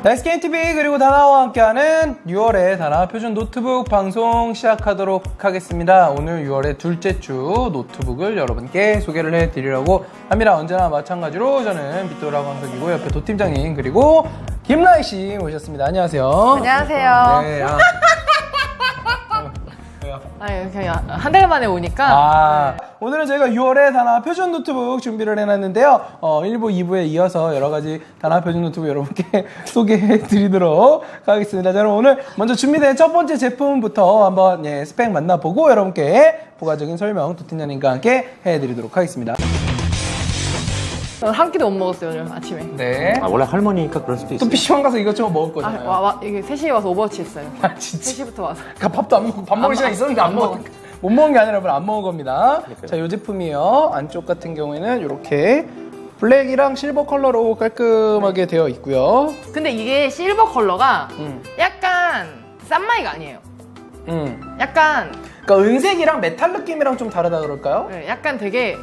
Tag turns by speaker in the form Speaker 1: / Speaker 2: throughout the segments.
Speaker 1: 넥스게임TV 그리고 다나와 함께하는 6월의 다나 표준 노트북 방송 시작하도록 하겠습니다. 오늘 6월의 둘째 주 노트북을 여러분께 소개를 해드리려고 합니다. 언제나 마찬가지로 저는 빗도라 광석이고 옆에 도팀장님 그리고 김라희씨 모셨습니다. 안녕하세요.
Speaker 2: 안녕하세요. 네, 아니, 그냥 한 달 만에 오니까.
Speaker 1: 오늘은 저희가 6월에 다나 표준 노트북 준비를 해놨는데요. 1부, 2부에 이어서 여러 가지 다나 표준 노트북 여러분께 소개해 드리도록 하겠습니다. 자, 그럼 오늘 먼저 준비된 첫 번째 제품부터 한번 스펙 만나보고 여러분께 부가적인 설명 도팀장님과 함께 해드리도록 하겠습니다.
Speaker 2: 한 끼도 못 먹었어요, 오늘 아침에.
Speaker 1: 네.
Speaker 3: 원래 할머니니까 그럴 수도 있어요.
Speaker 1: 또 PC방 가서 이것저것 먹을 거잖아요.
Speaker 2: 이게 3시에 와서 오버워치 했어요.
Speaker 1: 진짜.
Speaker 2: 3시부터 와서.
Speaker 1: 그러니까 밥도 안 먹고 밥 먹을 시간 있었는데 안 먹어. 못 먹은 게 아니라 안 먹은 겁니다.
Speaker 3: 그러니까요.
Speaker 1: 자, 이 제품이요. 안쪽 같은 경우에는 이렇게 블랙이랑 실버 컬러로 깔끔하게 되어 있고요.
Speaker 2: 근데 이게 실버 컬러가 약간 싼마이가 아니에요. 약간
Speaker 1: 그러니까 은색이랑 메탈 느낌이랑 좀 다르다 그럴까요?
Speaker 2: 네, 약간 되게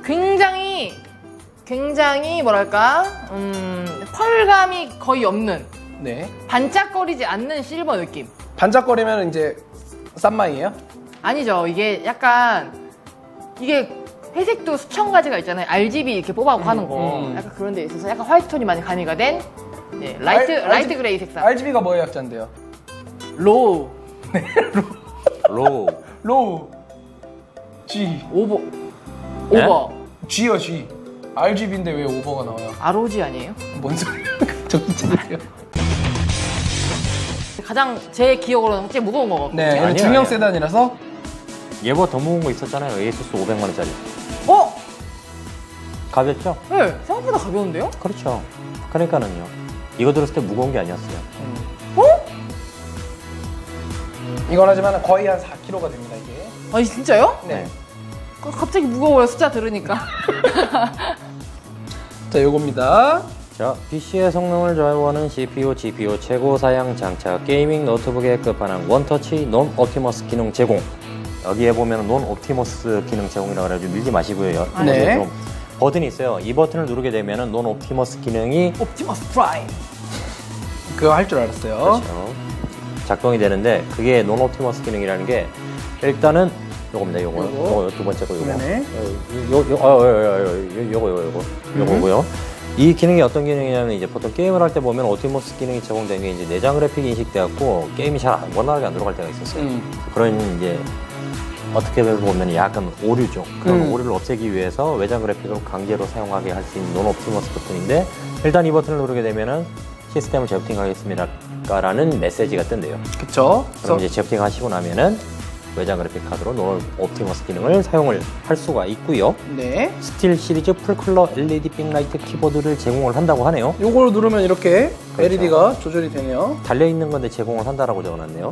Speaker 2: 굉장히 뭐랄까 펄감이 거의 없는
Speaker 1: 네.
Speaker 2: 반짝거리지 않는 실버 느낌.
Speaker 1: 반짝거리면 이제 싼마이예요?
Speaker 2: 아니죠. 이게 약간 이게 회색도 수천 가지가 있잖아요. RGB 이렇게 뽑아갖고 하는 거. 약간 그런 데 있어서 약간 화이트톤이 많이 가미가 된 라이트 그레이 색상.
Speaker 1: RGB가 뭐의 약자인데요?
Speaker 2: 로우.
Speaker 3: 로우.
Speaker 1: G.
Speaker 2: 오버.
Speaker 3: 네?
Speaker 2: 오버.
Speaker 1: G요, G. RGB인데 왜 오버가 나와요?
Speaker 2: ROG 아니에요?
Speaker 1: 뭔 소리야? 저기 찾으세요.
Speaker 2: 가장 제 기억으로는 제일 무거운 거거든요.
Speaker 1: 네, 얘는
Speaker 3: 아니에요,
Speaker 1: 중형
Speaker 3: 아니에요.
Speaker 1: 세단이라서.
Speaker 3: 얘보다 더 무거운 거 있었잖아요. 에이수스 500만원짜리.
Speaker 2: 어?
Speaker 3: 가볍죠?
Speaker 2: 네, 생각보다 가벼운데요?
Speaker 3: 그렇죠. 그러니까는요. 이거 들었을 때 무거운 게 아니었어요.
Speaker 1: 이건 하지만 거의 한 4kg가 됩니다, 이게.
Speaker 2: 아니 진짜요?
Speaker 1: 네.
Speaker 2: 갑자기 무거워요, 숫자 들으니까.
Speaker 1: 자, 요겁니다.
Speaker 3: 자, PC의 성능을 좌우하는 CPU, GPU 최고 사양 장착 게이밍 노트북의 끝판왕 원터치 논 옵티머스 기능 제공. 여기에 보면 논 옵티머스 기능 제공이라고 해가지고 밀지 마시고요.
Speaker 1: 네.
Speaker 3: 좀 버튼이 있어요. 이 버튼을 누르게 되면은 논 옵티머스 기능이
Speaker 2: 옵티머스 프라임.
Speaker 1: 그거 할 줄 알았어요.
Speaker 3: 그렇죠. 작동이 되는데 그게 논 옵티머스 기능이라는 게 일단은 요겁니다. 요거 두 번째 거 요거.
Speaker 1: 네네.
Speaker 3: 요거고요. 이 기능이 어떤 기능이냐면 이제 보통 게임을 할 때 보면 옵티머스 기능이 제공된 게 이제 내장 그래픽이 인식돼갖고 게임이 잘 원활하게 안 들어갈 때가 있었어요. 그런 이제 어떻게 보면 약간 오류죠. 그런 오류를 없애기 위해서 외장 그래픽을 강제로 사용하게 할 수 있는 논 옵티머스 버튼인데 일단 이 버튼을 누르게 되면은 시스템을 재부팅하겠습니다라는 메시지가 뜬대요.
Speaker 1: 그쵸.
Speaker 3: 그럼 이제 재부팅하시고 나면은 외장 그래픽 카드로 논 옵티머스 기능을 사용을 할 수가 있고요.
Speaker 1: 네.
Speaker 3: 스틸 시리즈 풀컬러 LED 빅라이트 키보드를 제공을 한다고 하네요.
Speaker 1: 요걸 누르면 이렇게
Speaker 3: 그렇죠.
Speaker 1: LED가 조절이 되네요.
Speaker 3: 달려있는 건데 제공을 한다라고 적어놨네요.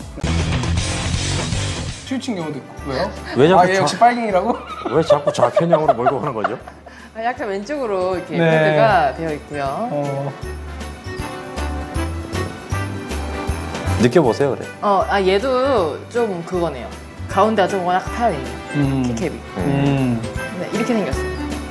Speaker 1: 스위칭 경우도 있고. 왜요?
Speaker 3: 왜 자꾸
Speaker 1: 얘 역시 빨갱이라고?
Speaker 3: 왜 자꾸 좌편향으로 몰고 가는 거죠?
Speaker 2: 약간 왼쪽으로 이렇게
Speaker 1: 네.
Speaker 2: 패드가 되어 있고요.
Speaker 3: 느껴보세요, 그래.
Speaker 2: 얘도 좀 그거네요. 가운데가 좀 워낙 파여있네요. 키캡이. 네, 이렇게 생겼어요.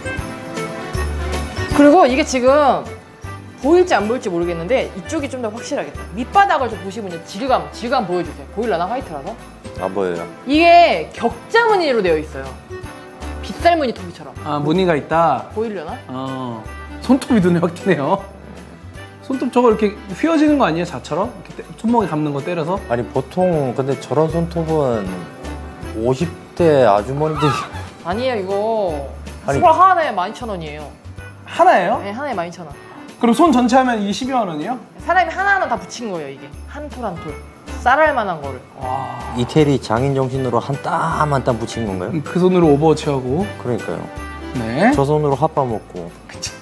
Speaker 2: 그리고 이게 지금 보일지 안 보일지 모르겠는데 이쪽이 좀 더 확실하겠다. 밑바닥을 좀 보시면 이제 질감 보여주세요. 보일라나 화이트라서?
Speaker 3: 안 보여요.
Speaker 2: 이게 격자 무늬로 되어 있어요. 빗살 무늬 톱이처럼.
Speaker 1: 무늬가 있다.
Speaker 2: 보이려나?
Speaker 1: 손톱이 눈에 확 띄네요. 손톱 저거 이렇게 휘어지는 거 아니에요? 자처럼? 이렇게 손목에 감는 거 때려서?
Speaker 3: 아니, 보통 근데 저런 손톱은 50대 아주머니들이
Speaker 2: 아니에요, 이거.
Speaker 3: 아니.
Speaker 2: 스몰 하나에 12,000원이에요.
Speaker 1: 하나예요?
Speaker 2: 네, 하나에 12,000원.
Speaker 1: 그럼 손 전체 하면 이게 12만 원이에요?
Speaker 2: 사람이 하나하나 다 붙인 거예요, 이게. 한 톨 한 톨. 쌀알 만한 거를.
Speaker 1: 와.
Speaker 3: 이태리 장인 정신으로 한 땀 한 땀 붙인 건가요?
Speaker 1: 그 손으로 오버워치 하고.
Speaker 3: 그러니까요.
Speaker 1: 네.
Speaker 3: 저 손으로 핫바 먹고.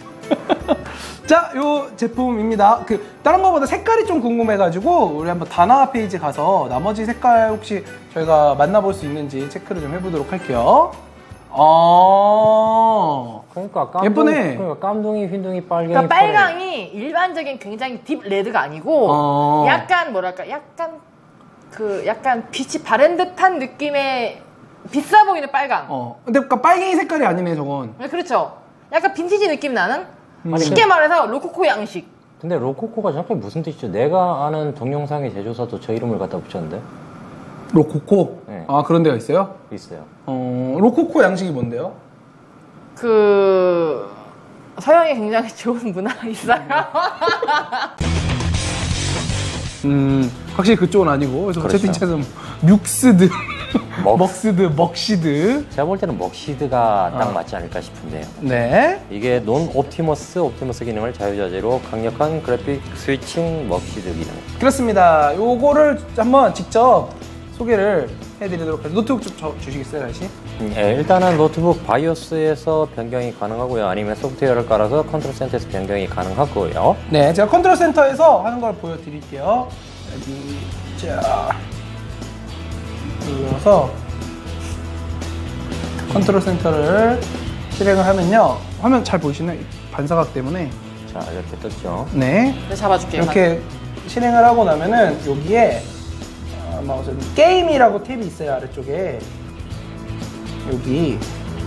Speaker 1: 자, 요 제품입니다. 다른 거보다 색깔이 좀 궁금해가지고 우리 한번 다나 페이지 가서 나머지 색깔 혹시 저희가 만나볼 수 있는지 체크를 좀 해보도록 할게요.
Speaker 3: 그러니까
Speaker 1: 예쁘네.
Speaker 3: 그러니까 깜둥이, 흰둥이, 빨갱이.
Speaker 2: 그러니까 빨강이 일반적인 굉장히 딥 레드가 아니고 약간 뭐랄까 약간 빛이 바랜 듯한 느낌의 비싸 보이는 빨강.
Speaker 1: 근데 그러니까 빨갱이 색깔이 아니네 저건.
Speaker 2: 네, 그렇죠. 약간 빈티지 느낌 나는 쉽게 말해서 로코코 양식.
Speaker 3: 근데 로코코가 정확히 무슨 뜻이죠? 내가 아는 동영상의 제조사도 저 이름을 갖다 붙였는데
Speaker 1: 로코코?
Speaker 3: 네.
Speaker 1: 아, 그런 데가 있어요?
Speaker 3: 있어요.
Speaker 1: 로코코 양식이 뭔데요?
Speaker 2: 그 서양에 굉장히 좋은 문화가 있어요.
Speaker 1: 확실히 그쪽은 아니고. 그래서
Speaker 3: 그렇죠.
Speaker 1: 채팅창에서 묵스드,
Speaker 3: 먹-
Speaker 1: 먹스드, 먹시드.
Speaker 3: 제가 볼 때는 먹시드가 딱 맞지 않을까 싶은데요.
Speaker 1: 네.
Speaker 3: 이게 논 옵티머스 기능을 자유자재로 강력한 그래픽 스위칭 먹시드 기능.
Speaker 1: 그렇습니다. 요거를 한번 직접 소개를 해드리도록 하겠습니다. 노트북 좀 주시겠어요, 다시?
Speaker 3: 예, 일단은 노트북 바이오스에서 변경이 가능하고요. 아니면 소프트웨어를 깔아서 컨트롤 센터에서 변경이 가능하고요.
Speaker 1: 네, 제가 컨트롤 센터에서 하는 걸 보여드릴게요. 여기, 자. 눌러서 컨트롤 센터를 실행을 하면요. 화면 잘 보이시나요? 반사각 때문에.
Speaker 3: 자, 이렇게 떴죠.
Speaker 1: 네.
Speaker 2: 네, 잡아줄게요.
Speaker 1: 이렇게 실행을 하고 나면은 여기에 마우스 게임이라고 탭이 있어요, 아래쪽에. 여기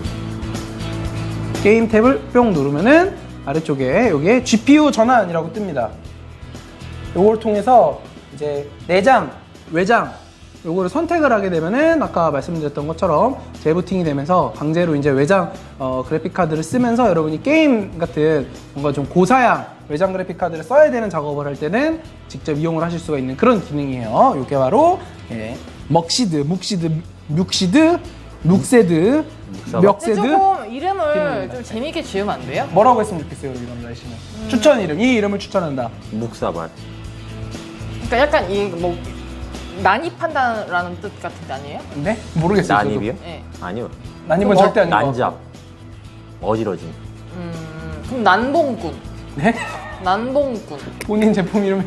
Speaker 1: 게임 탭을 뿅 누르면은 아래쪽에 여기에 GPU 전환이라고 뜹니다. 요걸 통해서 이제 내장, 외장 요거를 선택을 하게 되면은 아까 말씀드렸던 것처럼 재부팅이 되면서 강제로 이제 외장 그래픽 카드를 쓰면서 여러분이 게임 같은 뭔가 좀 고사양 외장 그래픽 카드를 써야 되는 작업을 할 때는 직접 이용을 하실 수가 있는 그런 기능이에요. 이게 바로 먹시드, 묵시드, 묵세드,
Speaker 2: 근데
Speaker 1: 멱세드.
Speaker 2: 조금 이름을
Speaker 1: 기능입니다.
Speaker 2: 좀 재밌게 지으면 안 돼요?
Speaker 1: 뭐라고 했으면 좋겠어요, 여러분 남자 씨는. 추천 이름, 이 이름을 추천한다.
Speaker 3: 묵사발.
Speaker 2: 그러니까 약간 이 뭐 난입한다라는 뜻 같은데 아니에요?
Speaker 1: 네? 모르겠어요. 저도.
Speaker 3: 난입이요?
Speaker 2: 네.
Speaker 3: 아니요.
Speaker 1: 난입은
Speaker 2: 그거
Speaker 1: 절대 아닌 것
Speaker 3: 난잡. 어지러짐.
Speaker 2: 그럼 난봉꾼.
Speaker 1: 네?
Speaker 2: 난봉꾼.
Speaker 1: 본인 제품 이름이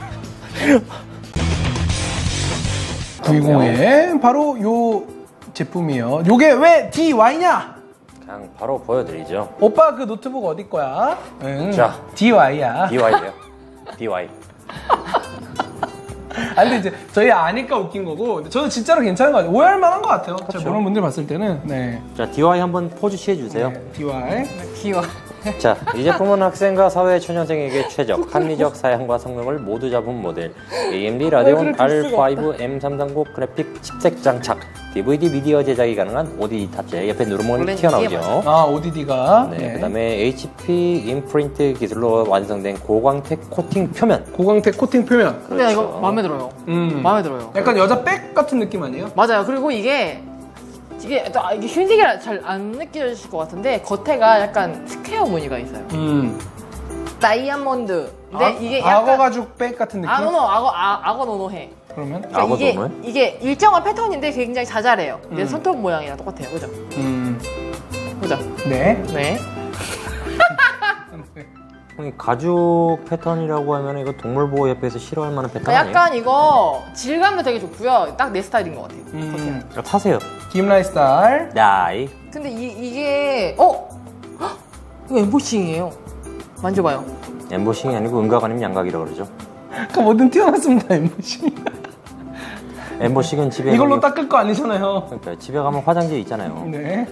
Speaker 1: 920에 바로 요 제품이에요. 요게 왜 DY냐?
Speaker 3: 그냥 바로 보여드리죠.
Speaker 1: 오빠 그 노트북 어디 거야? 응.
Speaker 3: 자.
Speaker 1: DY야.
Speaker 3: DY예요. DY.
Speaker 1: 아 근데 이제 저희 아니까 웃긴 거고 근데 저는 진짜로 괜찮은 거 같아요. 오해할 만한 것 같아요. 제가
Speaker 3: 그렇죠.
Speaker 1: 모르는 분들 봤을 때는 네.
Speaker 3: 자, DY 한번 포즈 취해주세요.
Speaker 1: DY.
Speaker 2: 귀여워.
Speaker 3: 자, 이 제품은 학생과 사회 초년생에게 최적, 합리적 사양과 성능을 모두 잡은 모델 AMD 라데온 R5 M330 그래픽 칩셋 장착 DVD 미디어 제작이 가능한 ODD 탑재 옆에 누르면
Speaker 2: 원래는
Speaker 3: 튀어나오죠.
Speaker 2: 이게
Speaker 1: 아 ODD가
Speaker 3: 네, 그다음에 HP 인프린트 기술로 완성된 고광택 코팅 표면.
Speaker 1: 고광택 코팅 표면.
Speaker 2: 근데 나 이거
Speaker 3: 그렇죠.
Speaker 2: 마음에 들어요.
Speaker 1: 음.
Speaker 2: 마음에 들어요.
Speaker 1: 약간 여자 백 같은 느낌 아니에요?
Speaker 2: 맞아요. 그리고 이게 흰색이라 잘 안 느껴지실 것 같은데 겉에가 약간 스퀘어 무늬가 있어요. 다이아몬드. 근데 이게 약간
Speaker 1: 악어 가죽 백 같은 느낌?
Speaker 2: 악어 노노해.
Speaker 1: 그러면?
Speaker 2: 그러니까
Speaker 3: 악어
Speaker 2: 이게,
Speaker 3: 노노해?
Speaker 2: 이게 일정한 패턴인데 굉장히 자잘해요. 이제 손톱 모양이랑 똑같아요. 그죠? 그죠?
Speaker 1: 네.
Speaker 2: 네.
Speaker 3: 가죽 패턴이라고 하면 이거 동물보호협회에서 싫어할 만한 패턴
Speaker 2: 그러니까
Speaker 3: 아니에요?
Speaker 2: 약간 이거 질감도 되게 좋고요. 딱 내 스타일인 것 같아요. 겉에는.
Speaker 3: 타세요.
Speaker 1: 김라이 스타일.
Speaker 3: 나이.
Speaker 2: 근데 이게 헉! 이거 엠보싱이에요. 만져봐요.
Speaker 3: 엠보싱이 아니고 음각 아니면 양각이라고 그러죠.
Speaker 1: 그 뭐든 튀어났습니다 엠보시.
Speaker 3: 엠보싱은 집에
Speaker 1: 이걸로
Speaker 3: 가면-
Speaker 1: 닦을 거 아니잖아요.
Speaker 3: 그러니까 집에 가면 화장지 있잖아요.
Speaker 1: 네.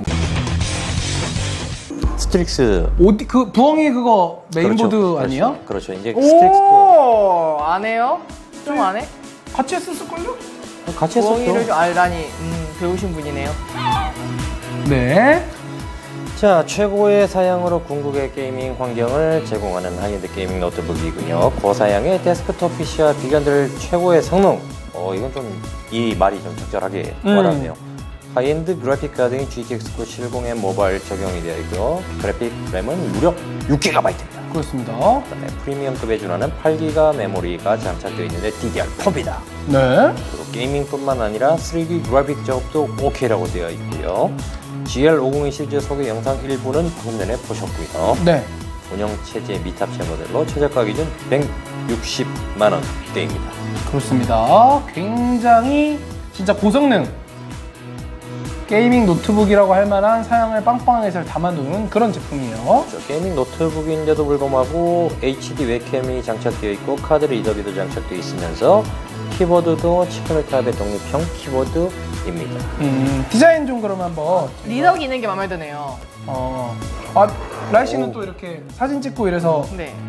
Speaker 3: 스트릭스.
Speaker 1: 어디 그 부엉이 그거 메인보드
Speaker 3: 그렇죠.
Speaker 1: 아니에요?
Speaker 3: 그렇죠. 이제 스트릭스도
Speaker 2: 오, 안 해요? 좀 안 해?
Speaker 1: 같이 했었을걸요?
Speaker 3: 같이
Speaker 2: 부엉이를
Speaker 3: 했었죠.
Speaker 2: 좀 알다니 배우신 분이네요.
Speaker 1: 네.
Speaker 3: 자, 최고의 사양으로 궁극의 게이밍 환경을 제공하는 하이엔드 게이밍 노트북이군요. 고사양의 데스크톱 PC와 비견될 최고의 성능. 이건 좀 이 말이 좀 적절하게 와닿네요. 하이엔드 그래픽 카드인 GTX 970에 모바일 적용이 되어 있고요. 그래픽 램은 무려 6GB입니다.
Speaker 1: 그렇습니다.
Speaker 3: 그다음에 프리미엄급에 준하는 8GB 메모리가 장착되어 있는데 DDR4입니다.
Speaker 1: 네.
Speaker 3: 그리고 게이밍뿐만 아니라 3D 그래픽 작업도 OK라고 되어 있고요. GL502 시리즈 소개 영상 일부는 방금 전에 보셨고요.
Speaker 1: 네.
Speaker 3: 운영체제 미탑재 모델로 최저가 기준 160만 원대입니다.
Speaker 1: 그렇습니다. 굉장히 진짜 고성능 게이밍 노트북이라고 할 만한 사양을 빵빵하게 잘 담아두는 그런 제품이에요.
Speaker 3: 게이밍 노트북인데도 불구하고 HD 웹캠이 장착되어 있고 카드 리더기도 장착되어 있으면서 키보드도 치크메탑의 독립형 키보드입니다.
Speaker 1: 디자인 좀 그러면 한번.
Speaker 2: 리더기 있는 게 마음에 드네요.
Speaker 1: 라이 씨는 또 이렇게 사진 찍고 이래서
Speaker 2: 네.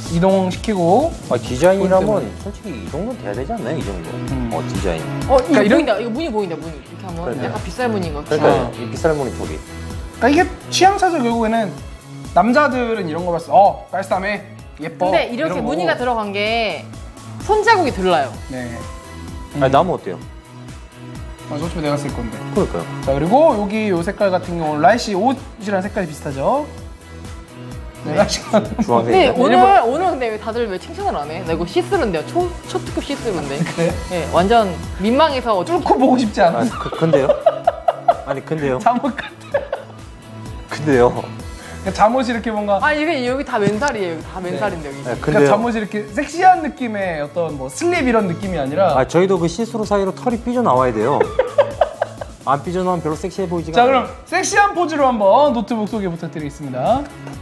Speaker 1: 이동시키고
Speaker 3: 디자인이라면 솔직히 이 정도는 돼야 되지 않나요? 이 정도. 디자인.
Speaker 2: 이거
Speaker 1: 이런-
Speaker 2: 보인다. 이거 무늬 보인다. 무늬 이렇게 하면
Speaker 3: 그러니까요.
Speaker 2: 약간 빗살 무늬인 것 같아.
Speaker 3: 그러니까 이 빗살 무늬 톡이.
Speaker 1: 그러니까 이게 취향차죠. 결국에는 남자들은 이런 거 봤을 때 깔쌈해 예뻐.
Speaker 2: 근데 이렇게
Speaker 1: 이런
Speaker 2: 무늬가
Speaker 1: 거고.
Speaker 2: 들어간 게 손자국이 들라요.
Speaker 1: 네.
Speaker 3: 아니 나무 어때요?
Speaker 1: 어차피 내가 쓸 건데.
Speaker 3: 그러니까요.
Speaker 1: 자 그리고 여기 요 색깔 같은 경우는 라이씨 옷이랑 색깔이 비슷하죠. 네, 라이씨가
Speaker 2: 근데
Speaker 3: 주황색이요.
Speaker 2: 오늘 근데 왜 다들 왜 칭찬을 안 해? 나 이거 시스루인데요. 초특급 시스루인데.
Speaker 1: 그래?
Speaker 2: 네, 완전 민망해서
Speaker 1: 뚫고 보고 싶지 않아.
Speaker 3: 근데요? 아니 근데요?
Speaker 1: 잠옷 같아.
Speaker 3: 근데요?
Speaker 1: 그러니까 잠옷이 이렇게 뭔가
Speaker 2: 이게 여기 다 맨살이에요. 여기 다 맨살인데 여기.
Speaker 3: 네,
Speaker 1: 그러니까
Speaker 3: 근데요?
Speaker 1: 잠옷이 이렇게 섹시한 느낌의 어떤 뭐 슬립 이런 느낌이 아니라.
Speaker 3: 저희도 그 시스루 사이로 털이 삐져 나와야 돼요. 안 삐져 나오면 별로 섹시해 보이지가
Speaker 1: 자
Speaker 3: 않아요.
Speaker 1: 그럼 섹시한 포즈로 한번 노트북 소개 부탁드리겠습니다.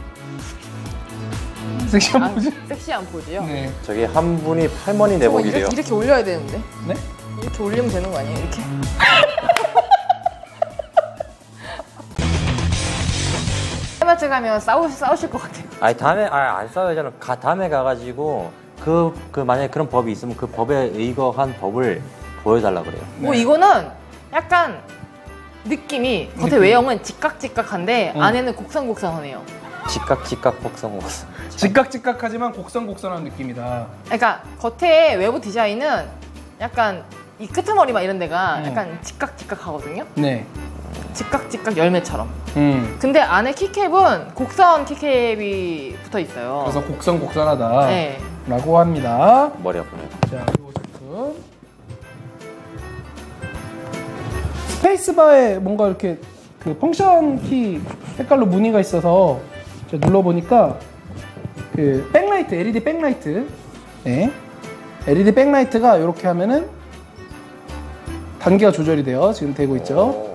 Speaker 1: 섹시한 포즈.
Speaker 2: 섹시한 포즈요.
Speaker 1: 네.
Speaker 3: 저기 한 분이 팔머니
Speaker 2: 저거
Speaker 3: 내복이래요.
Speaker 2: 이렇게 올려야 되는데.
Speaker 1: 네?
Speaker 2: 이렇게 올리면 되는 거 아니에요? 이렇게. 해마트 가면 싸우실 것 같아요.
Speaker 3: 아니 다음에 안 싸워야잖아. 다음에 가가지고 그 만약에 그런 법이 있으면 그 법에 의거한 법을 보여달라 그래요.
Speaker 1: 네.
Speaker 2: 이거는 약간 느낌이 겉에
Speaker 1: 느낌.
Speaker 2: 외형은 직각직각한데
Speaker 1: 응.
Speaker 2: 안에는 곡선곡선하네요.
Speaker 3: 직각 복성.
Speaker 1: 직각직각하지만 곡선곡선한 느낌이다.
Speaker 2: 그러니까 겉에 외부 디자인은 약간 이 끄트머리만 이런 데가
Speaker 1: 응.
Speaker 2: 약간 직각직각하거든요.
Speaker 1: 네.
Speaker 2: 직각직각 열매처럼.
Speaker 1: 음.
Speaker 2: 근데 안에 키캡은 곡선 키캡이 붙어 있어요.
Speaker 1: 그래서 곡선곡선하다.
Speaker 2: 네.
Speaker 1: 라고 합니다.
Speaker 3: 머리 아프네.
Speaker 1: 자, 이거 제품. 스페이스바에 뭔가 이렇게 그 펑션 키 색깔로 무늬가 있어서 제가 눌러보니까 그 백라이트, LED 백라이트. 네. LED 백라이트가 이렇게 하면은 단계가 조절이 돼요. 지금 되고 있죠.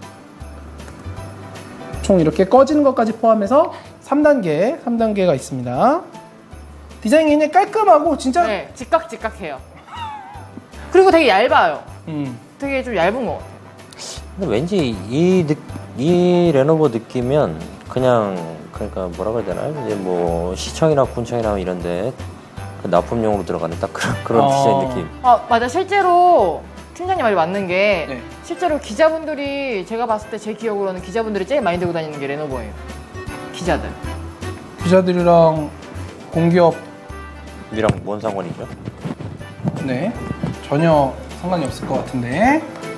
Speaker 1: 총 이렇게 꺼지는 것까지 포함해서 3단계가 있습니다. 디자인이 굉장히 깔끔하고 진짜
Speaker 2: 네, 직각직각해요. 그리고 되게 얇아요.
Speaker 1: 음.
Speaker 2: 되게 좀 얇은 것 같아요.
Speaker 3: 근데 왠지 이 레노버 느끼면 그냥 그러니까 뭐라 그래야 되나 이제 뭐 시청이나 군청이나 이런데 그 납품용으로 들어가는 딱 그런 디자인 느낌.
Speaker 2: 맞아. 실제로 팀장님 말이 맞는 게
Speaker 1: 네.
Speaker 2: 실제로 기자분들이 제가 봤을 때 제 기억으로는 기자분들이 제일 많이 들고 다니는 게 레노버예요. 기자들.
Speaker 1: 기자들이랑 공기업
Speaker 3: 이랑 뭔 상관이죠?
Speaker 1: 네 전혀 상관이 없을 것 같은데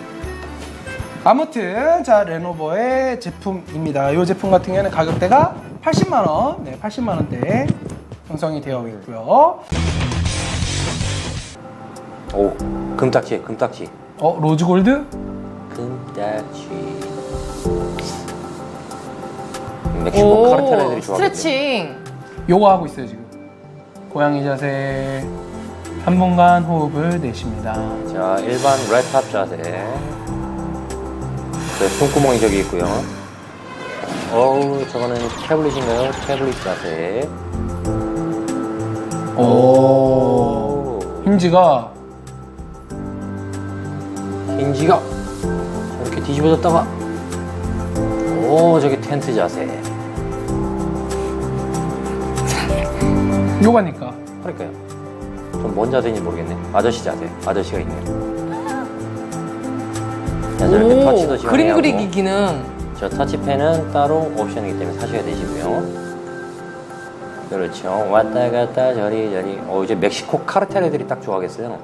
Speaker 1: 아무튼 자 레노버의 제품입니다. 이 제품 같은 경우에는 가격대가 80만 원, 네 80만 원대 형성이 되어 있고요.
Speaker 3: 오 금딱지.
Speaker 1: 로즈 골드?
Speaker 3: 금딱지. 멕시코 카르텔 애들이 좋아하거든요.
Speaker 2: 스트레칭.
Speaker 1: 요거 하고 있어요 지금. 고양이 자세 3분간 호흡을 내쉽니다.
Speaker 3: 자 일반 레탑 자세. 네, 손구멍이 저기 있고요. 저거는 태블릿인가요? 태블릿 자세.
Speaker 1: 오. 힌지가
Speaker 3: 힌지가 이렇게 뒤집어졌다가 저기 텐트 자세.
Speaker 1: 요가니까.
Speaker 3: 그러니까요. 좀 뭔 자세인지 모르겠네. 아저씨 자세. 아저씨가 있네요. 자, 저렇게 터치도 시원하고.
Speaker 2: 그림 그리기 기능.
Speaker 3: 저 터치펜은 따로 옵션이기 때문에 사셔야 되시고요. 그렇죠. 왔다 갔다 저리. 이제 멕시코 카르텔 애들이 딱 좋아하겠어요.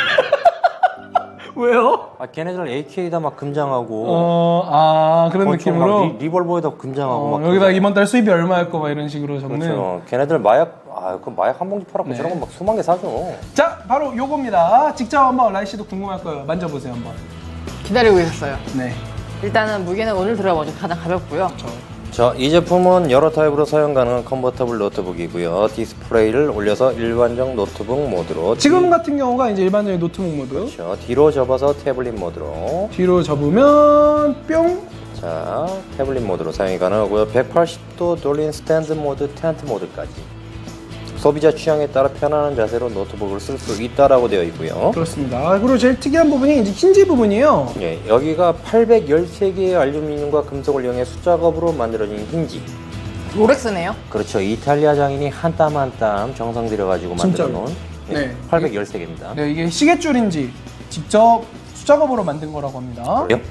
Speaker 1: 왜요?
Speaker 3: 걔네들 AK에다 막 금장하고.
Speaker 1: 그런
Speaker 3: 권총
Speaker 1: 느낌으로.
Speaker 3: 막 리볼버에다 금장하고 막.
Speaker 1: 여기다
Speaker 3: 그러잖아요.
Speaker 1: 이번 달 수입이 얼마였고 막 이런 식으로 적는.
Speaker 3: 그렇죠. 걔네들 마약, 그 마약 한 봉지 팔았고
Speaker 1: 네.
Speaker 3: 저런 거 막 수만 개 사죠.
Speaker 1: 자, 바로 요겁니다. 직접 한번 라이 씨도 궁금할 거예요. 만져보세요 한번.
Speaker 2: 기다리고 있었어요.
Speaker 1: 네.
Speaker 2: 일단은 무게는 오늘 들어보죠. 가장 가볍고요.
Speaker 3: 자, 이 제품은 여러 타입으로 사용 가능한 컨버터블 노트북이고요. 디스플레이를 올려서 일반적 노트북 모드로.
Speaker 1: 지금 같은 경우가 이제 일반적인 노트북 모드.
Speaker 3: 그렇죠. 뒤로 접어서 태블릿 모드로.
Speaker 1: 뒤로 접으면 뿅.
Speaker 3: 자, 태블릿 모드로 사용이 가능하고요. 180도 돌린 스탠드 모드, 텐트 모드까지. 소비자 취향에 따라 편안한 자세로 노트북을 쓸 수 있다라고 되어 있고요.
Speaker 1: 그렇습니다. 그리고 제일 특이한 부분이 이제 힌지 부분이에요.
Speaker 3: 예, 여기가 813개의 알루미늄과 금속을 이용해 숫작업으로 만들어진 힌지.
Speaker 2: 롤렉스네요.
Speaker 3: 그렇죠. 이탈리아 장인이 한 땀 한 땀 정성 들여가지고 만들어
Speaker 1: 진짜로.
Speaker 3: 놓은
Speaker 1: 네.
Speaker 3: 813개입니다.
Speaker 1: 네, 이게 시계줄인지 직접 수작업으로 만든 거라고 합니다.
Speaker 3: 그래요?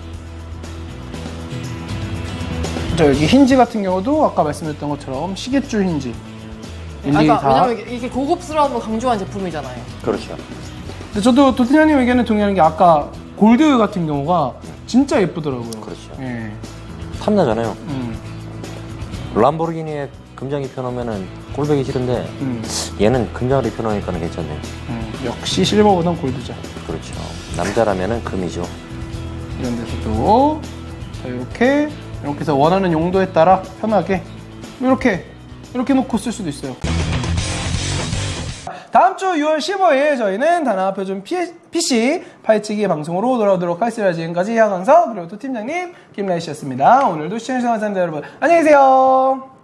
Speaker 1: 자, 여기 힌지 같은 경우도 아까 말씀드렸던 것처럼 시계줄 힌지. 일일이 다.
Speaker 2: 왜냐면 이게 고급스러움을 강조한 제품이잖아요.
Speaker 3: 그렇죠.
Speaker 1: 근데 저도 도티나님 의견에 동의하는 게 아까 골드 같은 경우가 진짜 예쁘더라고요.
Speaker 3: 그렇죠.
Speaker 1: 예.
Speaker 3: 탐나잖아요.
Speaker 1: 음.
Speaker 3: 람보르기니에 금장 입혀놓으면은 꼴보기 싫은데 얘는 금장을 입혀놓으니까는 괜찮네.
Speaker 1: 역시 실버보단 골드죠.
Speaker 3: 그렇죠. 남자라면은 금이죠.
Speaker 1: 이런 데서도 자, 이렇게 해서 원하는 용도에 따라 편하게 이렇게 놓고 쓸 수도 있어요. 다음 주 6월 15일 저희는 다나 표준 PC 파헤치기 방송으로 돌아오도록 하겠습니다. 지금까지 하강서 그리고 또 팀장님 김라희 씨였습니다. 오늘도 시청해주셔서 감사합니다, 여러분. 안녕히 계세요.